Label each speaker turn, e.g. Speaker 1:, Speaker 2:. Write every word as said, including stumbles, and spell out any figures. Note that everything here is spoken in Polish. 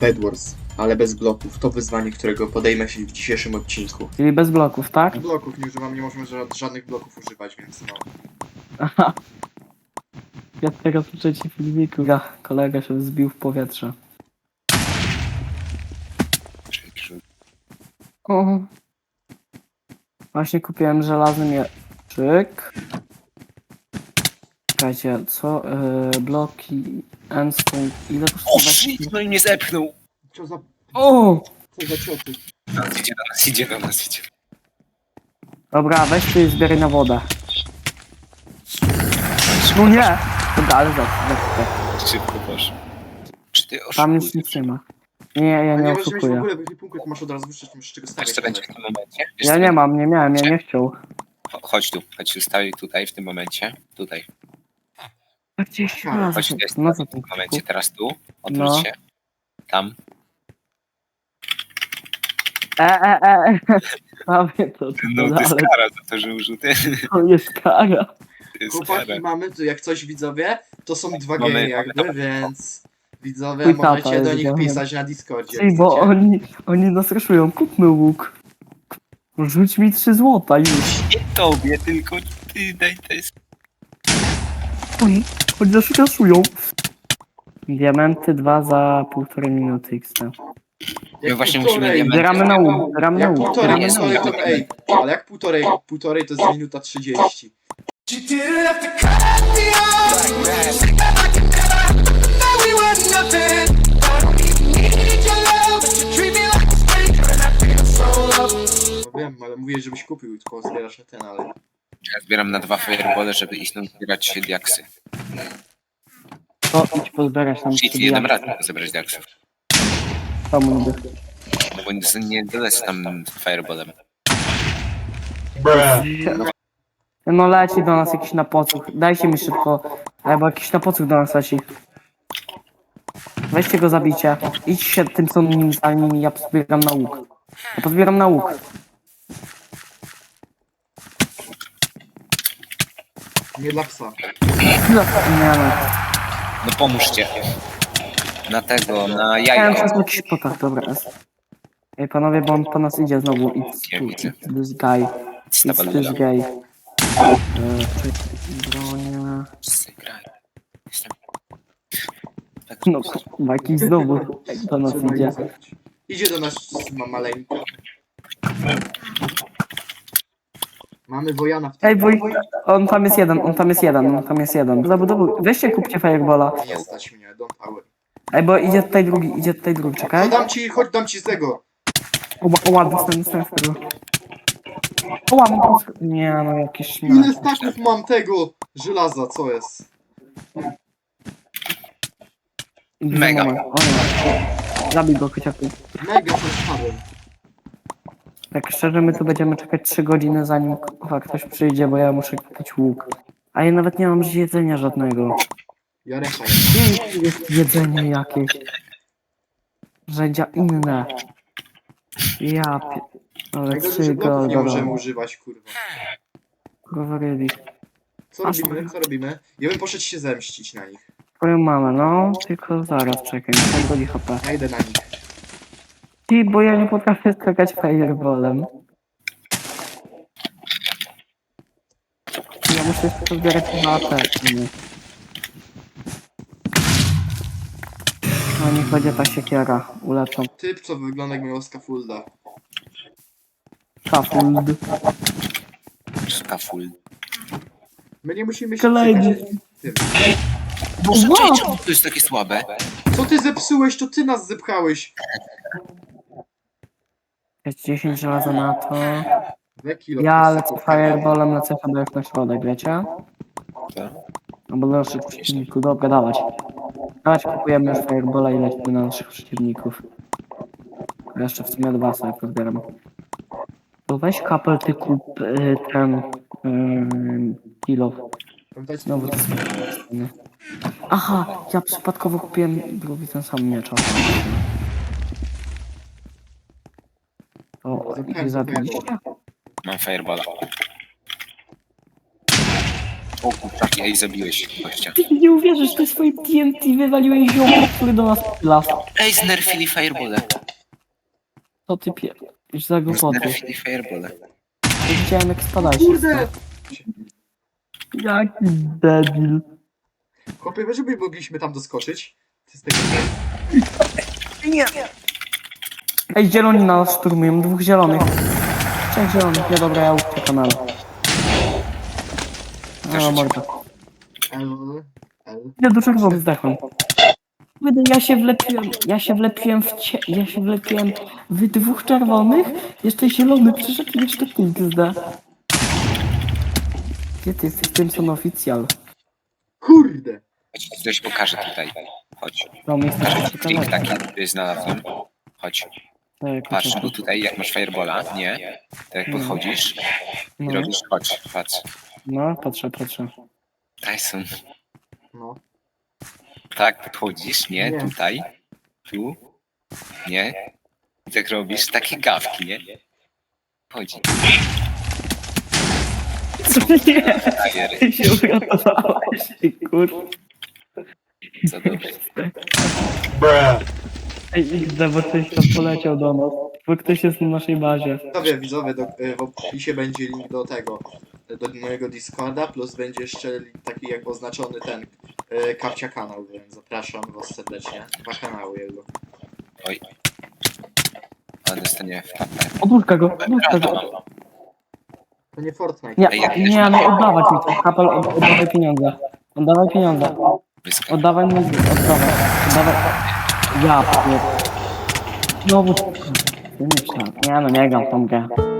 Speaker 1: Bed Wars, ale bez bloków. To wyzwanie, którego podejmę się w dzisiejszym odcinku.
Speaker 2: Czyli bez bloków, tak?
Speaker 1: Bloków nie używam, nie możemy ża- żadnych bloków używać, więc no.
Speaker 2: Aha. Ja teraz w trzecim filmiku ja, kolega się wzbił w powietrze. O. Właśnie kupiłem żelazny mieczyk. Czekajcie, co? Yy, bloki, endstone, ile
Speaker 3: O
Speaker 2: kosztuje?
Speaker 3: shit, no i mnie zepchnął.
Speaker 1: Co za...
Speaker 2: O!
Speaker 1: co za cioty?
Speaker 3: No, idzie do nas, idzie do nas, idzie.
Speaker 2: Dobra, weź ty i zbieraj na wodę. No nie! Dobra, ale za, za,
Speaker 3: Szybko poszło. Czy ty
Speaker 2: tam już
Speaker 3: oszukujesz?
Speaker 2: nic nie ma. Nie, ja
Speaker 1: A
Speaker 2: nie
Speaker 1: nie możesz mieć w
Speaker 2: oszukuję.
Speaker 1: ogóle wypunku, jak masz od razu wyszczeć, musisz czego
Speaker 3: Wiesz
Speaker 1: stawiać.
Speaker 3: co będzie w tym momencie? Wiesz,
Speaker 2: Ja
Speaker 3: co
Speaker 2: nie
Speaker 3: będzie?
Speaker 2: mam, nie miałem, ja nie chciał.
Speaker 3: Cho- Chodź tu, chodź tu, stawię tutaj w tym momencie. Tutaj.
Speaker 2: A gdzieś
Speaker 1: Chodź
Speaker 2: raz.
Speaker 3: Chodź tutaj,
Speaker 2: No
Speaker 3: stawię
Speaker 2: co
Speaker 3: w tym
Speaker 2: tu?
Speaker 3: momencie, teraz tu. Odwróć
Speaker 2: No.
Speaker 3: się. Tam.
Speaker 2: E, e, e, e. Prawie to,
Speaker 3: No to jest
Speaker 2: ale
Speaker 3: kara za to, że użył ty.
Speaker 2: to jest kara.
Speaker 3: To jest kara.
Speaker 1: Chłopaki mamy, tu jak coś widzowie, to są dwa
Speaker 3: Mamy-
Speaker 1: geje jakby, więc... Widzowie,
Speaker 2: Twój tata
Speaker 1: możecie do
Speaker 2: jest
Speaker 1: nich
Speaker 2: gejem.
Speaker 1: pisać na Discordzie.
Speaker 2: Ej, bo
Speaker 1: chcecie.
Speaker 2: oni, oni nas raszują, kupmy łuk. Rzuć mi trzy złota już.
Speaker 3: Nie tobie, tylko ty daj test.
Speaker 2: Oni, oni nas raszują. Diamenty dwa za półtorej minuty X T.
Speaker 1: Jak
Speaker 3: My właśnie
Speaker 1: półtorej-
Speaker 3: musimy diamenty.
Speaker 2: Zbieramy na łuk, zbieramy na
Speaker 1: Jak
Speaker 2: łuk.
Speaker 1: półtorej,
Speaker 3: nie
Speaker 2: zbieramy na
Speaker 3: są
Speaker 2: łuk.
Speaker 1: półtorej to ej, ale jak półtorej, półtorej to jest minuta trzydzieści.
Speaker 4: You didn't have to cut me off. Said that I could never, that we were nothing. I don't even need your love, but you treat me like a stranger, and I feel so loved.
Speaker 1: No wiem, ale mówię, żebyś kupił, tylko zbierasz na ten, ale...
Speaker 3: Ja zbieram na dwa firebole, żeby iść tam zbierać diaksy.
Speaker 2: To idź pozbierać tam
Speaker 3: Shit, nie dam rady zebrać diaksów.
Speaker 2: Komu niby.
Speaker 3: No bo nie- nie dolecę tam fireballem.
Speaker 2: No leci do nas jakiś napocuch. Dajcie mi szybko. Albo jakiś napocuch do nas leci. Weźcie go, zabicie. Idź się tym co zanim ja pozbieram na łuk. Ja pozbieram na łuk.
Speaker 1: Nie dla psa.
Speaker 2: Nie no.
Speaker 3: No pomóżcie. Na tego, na
Speaker 2: Ja
Speaker 3: jaja.
Speaker 2: przez jakiś spotach, dobra jest. Ej panowie, bo on po nas idzie znowu. It's,
Speaker 3: Nie widzę.
Speaker 2: it's this guy. It's this guy. Eee, czekaj, bronia.
Speaker 3: Zagraj. Jestem... Tak,
Speaker 2: No kurwa, jakiś znowu do nas
Speaker 1: Trzeba
Speaker 2: idzie.
Speaker 1: ich zabić. Idzie do nas ma maleńka. Mamy Wojana w tym.
Speaker 2: Ej, bo on tam jest jeden, on tam jest jeden, on tam jest jeden. Zabudowuj. Weźcie, kupcie Firebola.
Speaker 1: Nie stać mnie, don't power.
Speaker 2: Ej, bo idzie tutaj drugi, idzie tutaj drugi,
Speaker 1: No
Speaker 2: czekaj.
Speaker 1: dam ci, chodź dam ci z tego.
Speaker 2: O, o ładnie, dostałem, dostałem z tego. O, ładnie, nie no, jakiś
Speaker 1: Ile
Speaker 2: śmiech.
Speaker 1: staków mam tego żelaza, co jest?
Speaker 3: Mega.
Speaker 2: O nie. Zabij go, kociaku.
Speaker 1: Mega przeszkadzam.
Speaker 2: Tak szczerze, my tu będziemy czekać trzy godziny zanim kurwa, ktoś przyjdzie, bo ja muszę kupić łuk. A ja nawet nie mam jedzenia żadnego.
Speaker 1: Ja recha
Speaker 2: Gdzie jest jedzenie jakieś? Rzędzia inne. Ja pie... Ale
Speaker 1: Najgorzej,
Speaker 2: trzy
Speaker 1: że bloków nie
Speaker 2: go
Speaker 1: możemy używać, kurwa.
Speaker 2: Kurwa ready.
Speaker 1: Co robimy? Co robimy? Ja bym poszedł się zemścić na nich.
Speaker 2: Twoją mamę, no. Tylko zaraz, czekaj, nie goni H P.
Speaker 1: Ja idę na nich.
Speaker 2: Ty, bo ja nie potrafię skakać fireballem. Ja muszę jeszcze zbierać dwa apeki. No niech będzie ta siekiera. Ulepszą.
Speaker 1: Typ, co wygląda jak miał skafulda.
Speaker 2: Scaffold.
Speaker 3: Scaffold.
Speaker 1: My nie musimy się
Speaker 2: Kolejny.
Speaker 1: przejechać tym.
Speaker 3: Boże,
Speaker 2: Wow.
Speaker 3: czekaj, czemu to jest takie słabe?
Speaker 1: Co ty zepsułeś, to ty nas zepchałeś.
Speaker 2: Jest dziesięć żelaza na to.
Speaker 1: Dwa kilo.
Speaker 2: Ja
Speaker 1: to
Speaker 2: lecę
Speaker 1: jest
Speaker 2: fireballem, lecę chyba na środek, wiecie?
Speaker 3: Co?
Speaker 2: No bo do naszych przeciwników, dobra, dawać. Dawać, kupujemy już fireballa i lecimy na naszych przeciwników. Ja jeszcze w sumie dwa sobie pozbieram. To weź kapel, ty kup y, ten y, kilo.
Speaker 1: Pamiętajcie,
Speaker 2: Znowu to są strony. Aha, ja przypadkowo kupiłem drugi ten sam miecz. To ich zabiliście?
Speaker 3: Mam fireballa. O kurczaki, ej, zabiłeś gościa.
Speaker 2: Ty nie uwierzysz, ty swoim T N T wywaliłeś ziomka, który do nas las.
Speaker 3: Ej, znerfili firebole.
Speaker 2: To ty pier... Już za głupoty.
Speaker 3: Znerfili firebole.
Speaker 2: Widziałem jak spadałeś.
Speaker 1: Kurde!
Speaker 2: Jaki debil.
Speaker 1: Chłopie, wiesz, żeby mogliśmy tam doskoczyć? To jest tego...
Speaker 2: Ej, zieloni nas szturmują, dwóch zielonych. Trzech zielonych, nie dobra, ja uciekam, ale... No, morda.
Speaker 1: L... L...
Speaker 2: Idę do czerwonych, zdechłem. Kurde, Ja się wlepiłem, ja się wlepiłem w cie... Ja się wlepiłem w dwóch czerwonych, jeszcze zielony przyszedł i jeszcze pink zda. Gdzie ty jesteś? Tym są oficjal.
Speaker 1: Kurde!
Speaker 3: Chodź, ci coś pokażę tutaj. Chodź.
Speaker 2: No, my jesteśmy
Speaker 3: Pokażę ci trik
Speaker 2: ciekawe.
Speaker 3: taki, który znalazłem. Chodź.
Speaker 2: Tak,
Speaker 3: Patrz,
Speaker 2: tak.
Speaker 3: bo tutaj jak masz firebola, nie? To jak podchodzisz i
Speaker 2: No,
Speaker 3: robisz, chodź, patrz.
Speaker 2: no, patrzę, patrzę.
Speaker 3: Tyson.
Speaker 1: No.
Speaker 3: Tak, podchodzisz, nie?
Speaker 1: Nie.
Speaker 3: Tutaj. Tu. Nie? I tak robisz takie gawki, nie? Chodzi.
Speaker 2: Nie,
Speaker 3: Frajery.
Speaker 2: ty się uratowałeś, ty kur...
Speaker 3: Co dobrze.
Speaker 2: Ej, X D, bo ktoś tam poleciał do nas. Bo ktoś jest na naszej bazie.
Speaker 1: Widzowie, widzowie, do, y, w opisie będzie link do tego, y, do mojego Discorda, plus będzie jeszcze link taki jak oznaczony ten y, Kapcia kanał, więc zapraszam was serdecznie. Dwa kanały jego.
Speaker 3: Oj. A dostanie w papę.
Speaker 2: Odłóżka go, odłóżka go.
Speaker 1: To nie Fortnite.
Speaker 2: Nie,
Speaker 3: Ej, ja-
Speaker 2: nie, no oddawać mi to. Kapel, od, oddawaj pieniądze. Oddawaj pieniądze.
Speaker 3: Wyskak.
Speaker 2: Oddawaj mi, oddawaj. Oddawaj. Ja, nie. Znowu. Nie, nie, no nie gram w tą grę.